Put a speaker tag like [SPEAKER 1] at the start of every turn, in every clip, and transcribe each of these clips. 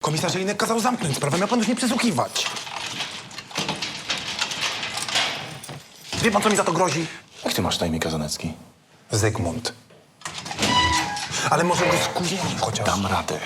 [SPEAKER 1] Komisarzyjny kazał zamknąć sprawę, miał pan już nie przesłuchiwać. Wie pan, co mi za to grozi?
[SPEAKER 2] Jak ty masz na imię, Kazanecki?
[SPEAKER 1] Zygmunt. Ale może go skujemy chociaż.
[SPEAKER 2] Dam radę.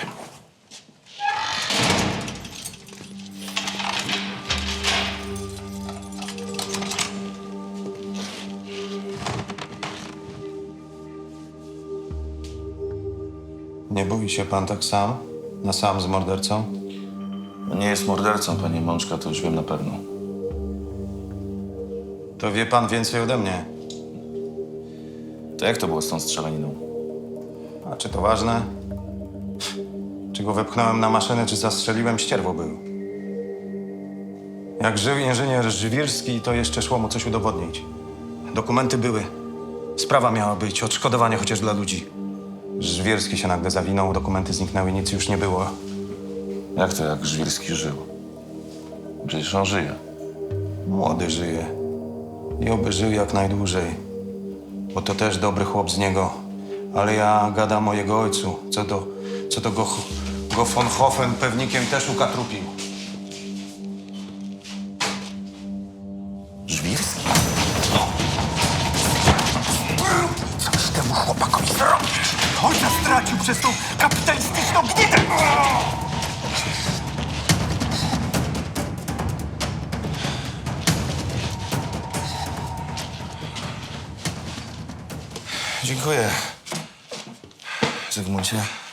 [SPEAKER 3] Nie boi się pan tak sam? Na sam z mordercą?
[SPEAKER 2] No nie jest mordercą, panie Mączka, to już wiem na pewno.
[SPEAKER 3] To wie pan więcej ode mnie.
[SPEAKER 2] To jak to było z tą strzelaniną?
[SPEAKER 3] A czy to ważne? Czy go wepchnąłem na maszynę, czy zastrzeliłem, ścierwo był. Jak żył inżynier Żwirski, to jeszcze szło mu coś udowodnić. Dokumenty były. Sprawa miała być, odszkodowanie chociaż dla ludzi. Żwirski się nagle zawinął, dokumenty zniknęły, nic już nie było.
[SPEAKER 2] Jak to, jak Żwirski żył? Przecież on żyje.
[SPEAKER 3] Młody żyje. I oby żył jak najdłużej. Bo to też dobry chłop z niego. Ale ja gadam o jego ojcu. Co do go von Hofen pewnikiem też ukatrupił.
[SPEAKER 2] Żwirski?
[SPEAKER 1] Coś temu chłopakowi zrobisz. Ojca stracił przez tą kapitalistyczną gnidę.
[SPEAKER 2] Dziękuję, Zygmuncie.